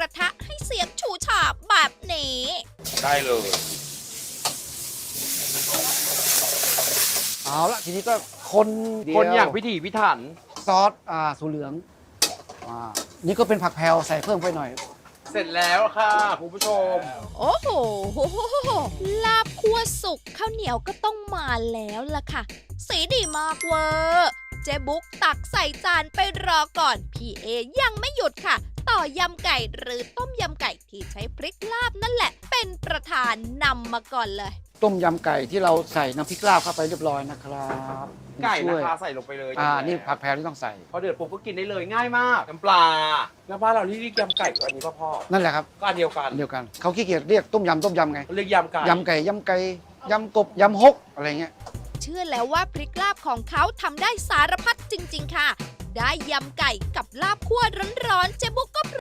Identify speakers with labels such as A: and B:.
A: ระทะให้เสียงฉูฉาบแบบนี้
B: ได้เลย
C: เอาละทีนี้ก็คน
B: คนอย่างพิถีพิถัน
C: ซอสสูเหลืองนี่ก็เป็นผักแพรวใส่เพิ่มไปหน่อย
B: เสร็จแล้วค่ะคุณผู้ชม
A: โอ้โหลาบคั่วสุกข้าวเหนียวก็ต้องมาแล้วล่ะค่ะ สีดีมากเวอร์เจ๊บุ๊กตักใส่จานไปรอก่อน พี่เอยังไม่หยุดค่ะ ต่อยำไก่หรือต้มยำไก่ที่ใช้พริกลาบนั่นแหละ เป็นประธานนำมาก่อนเลย
C: ต้มยำไก่ที่เราใส่น้ำพริกลาบเข้าไปเรียบร้อยนะครับ
B: ไก่
C: ช่
B: นะ
C: วย
B: คะใส่ลงไปเลย
C: นี่ผักแพรวที่ต้องใส่
B: พอเดือดปุ๊บก็กินได้เลยง่ายมากน้ำปลาแล้วบ้านเราที่เรียกยำไก่อันนี้พ่อ
C: นั่นแหละครับ
B: ก็อันเดียวกัน
C: อันเดียวกันเขาขี้เกียจเรียกต้มยำไง
B: เรียกยำไก่
C: ยำไก่ยำกบยำฮกอะไรเงี้ย
A: เชื่อแล้วว่าพริกลาบของเขาทำได้สารพัดจริง ๆ ค่ะ ได้ยำไก่กับลาบคั่วร้อนๆเจ๊บุ๊กก็